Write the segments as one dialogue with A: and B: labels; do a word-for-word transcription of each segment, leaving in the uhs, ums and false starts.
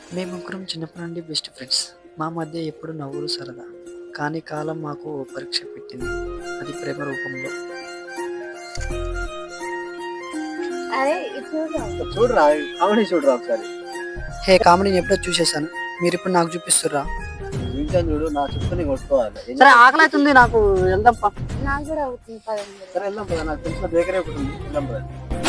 A: మేము ముగ్గురం చిన్నప్పటి నుండి బెస్ట్ ఫ్రెండ్స్. మా మధ్య ఎప్పుడు నవ్వులు సరదా. కానీ కాలం మాకు ఓ పరీక్ష పెట్టింది. అది ప్రేమ రూపంలో.
B: అరే ఇది చూడు.
C: చూడరా కామెడీ చూడరా ఒకసారి.
A: హే కామెడీని ఎప్పుడో చూసేసాను. మీరు ఇప్పుడు నాకు చూపిస్తుర్రా?
C: చూసాను చూడు, నా చుట్టూ కొట్టుకోవాలి.
A: సరే ఆకలి అవుతుంది, నాకు వెళ్దాం పా.
B: నాకు కూడా అవుతుంది పదండి.
C: సరే వెళ్దాం పద, నాకు తెలిసిన బేకరీ ఒకటి ఉంది, వెళ్దాం పద.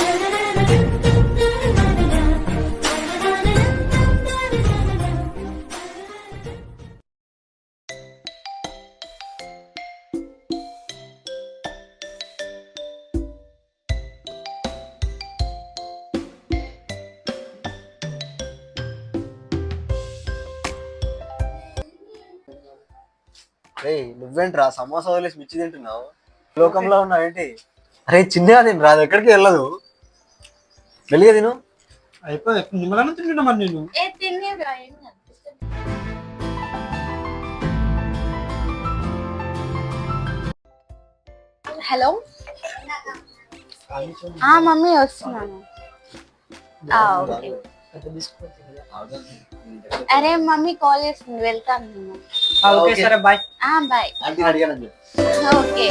C: రే నువ్వేంట్రా సమోసా వదిలేసి మిర్చి తింటున్నావు? లోకంలో ఉన్నావు ఏంటి? అరే చిన్నగా తిను రా, అది ఎక్కడికి వెళ్ళదు. వెళ్ళిగా తిను.
D: అయిపోయి నిమ్మలను తింటున్నా మరి నేను.
B: ఏ తినేరా ఏం కనిపిస్తుంది. హలో ఆ మమ్మీ వస్తున్నాను. ఆ, ఓకే. అరే మమ్మీ కాల్ చేస్తుంది, వెళ్తాను నేను.
A: ఓకే సరే బాయ్.
B: ఆ బాయ్.
C: ఆంటీని అడిగానని చెప్పు.
B: ఓకే.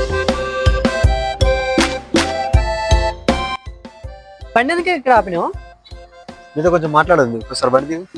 A: బండి ఎందుకు ఇక్కడ ఆపినావు?
C: మీతో కొంచెం మాట్లాడదు ఒకసారి బండి దిగు.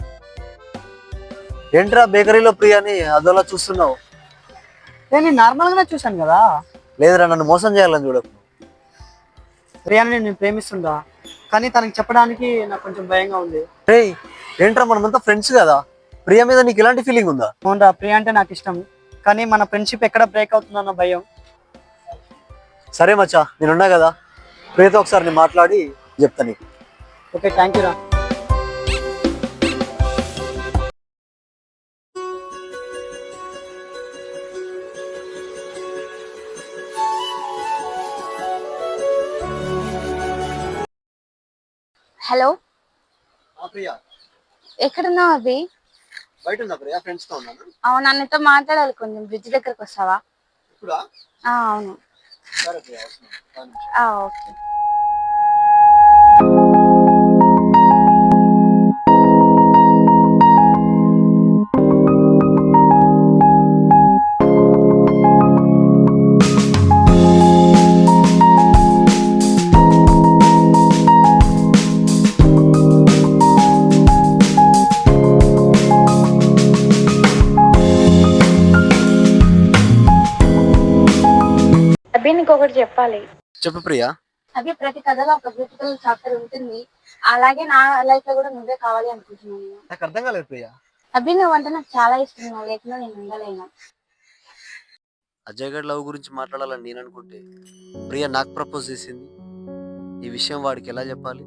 C: ఏంట్రా బేకరీలో ప్రియాని అదోలా చూస్తున్నావు?
A: నేను నార్మల్ గానే చూశాను కదా.
C: లేదురా, నన్ను మోసం చేయాలని చూడకు.
A: ప్రియాని నేను ప్రేమిస్తుందా, కానీ తనకి చెప్పడానికి నాకు కొంచెం భయంగా ఉంది.
C: రే ఏంట్రా, మనమంతా ఫ్రెండ్స్ కదా, ప్రియా మీద నీకు ఇలాంటి ఫీలింగ్ ఉందా?
A: అవునరా, ప్రియ అంటే నాకు ఇష్టం, కానీ మన ఫ్రెండ్షిప్ ఎక్కడ బ్రేక్ అవుతుందన్న భయం.
C: సరే మచ్చా, నేనున్నా కదా, ప్రియతో ఒకసారి నేను మాట్లాడి చెప్తా నీకు.
A: ఓకే థ్యాంక్ యూ రా.
B: హలో
C: ప్రియా
B: ఎక్కడున్నావు అభి?
C: బయట ఉన్నా ప్రియా, ఫ్రెండ్స్ తో ఉన్నాను.
B: అవును, అన్నతో మాట్లాడాలి, కొంచెం బ్రిడ్జ్ దగ్గరకు వస్తావా?
C: ఇప్పుడా?
B: ఆ, అవును.
C: సరే ప్రియా, వస్తున్నాను.
B: ఆ, ఓకే. అభి నీకు ఒకటి చెప్పాలి.
C: చెప్పు ప్రియా.
B: అభి ప్రతి కథలో ఒక బ్యూటిఫుల్ చాప్టర్ ఉంటుంది, అలాగే నా లైఫ్ లో కూడా నువ్వే కావాలి అనుకుంటున్నాను.
C: నాకు అర్థం కాలేదు ప్రియా.
B: అభి నువ్వంటే నాకు చాలా ఇష్టం, నువ్వు లేకుండా నేను ఉండలేను.
C: అజయ్ గడ్ లవ్ గురించి మాట్లాడాలని నేను అనుకుంటే ప్రియా నాకు ప్రపోజ్ చేసింది. ఈ విషయం వాడికి ఎలా చెప్పాలి?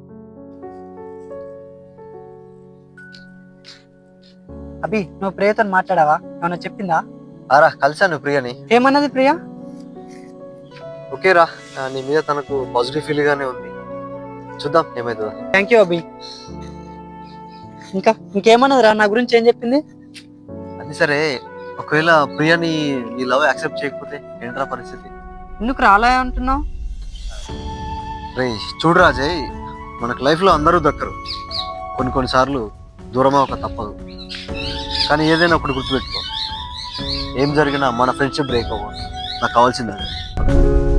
A: అభి నువ్వు ప్రియతో మాట్లాడావా? ఏమన్నా చెప్పిందా?
C: ఆరా కలిసాను ప్రియని.
A: ఏమన్నది ప్రియ?
C: ఓకేరా, నీ మీద తనకు పాజిటివ్ ఫీల్ గానే ఉంది, చూద్దాం ఏమైతుందో.
A: Thank you Abhi. ఇంకా ఇంకేమన్నది రా నా గురించి? ఏం చెప్పింది?
C: అది సరే, ఒకవేళ ప్రియాని నీ లవ్ యాక్సెప్ట్ చేయకపోతే ఏంట్రా పరిస్థితి?
A: ఎందుకు రాలే అంటున్నావు?
C: రే చూడు రాజయ్, మనకు లైఫ్ లో అందరూ దక్కరు, కొన్ని కొన్నిసార్లు దూరమే ఒక తప్పదు. కానీ ఏదైనా ఒకటి గుర్తుపెట్టుకో, ఏం జరిగినా మన ఫ్రెండ్షిప్ బ్రేక్ అవ్వ. నాకు కావాల్సిందే.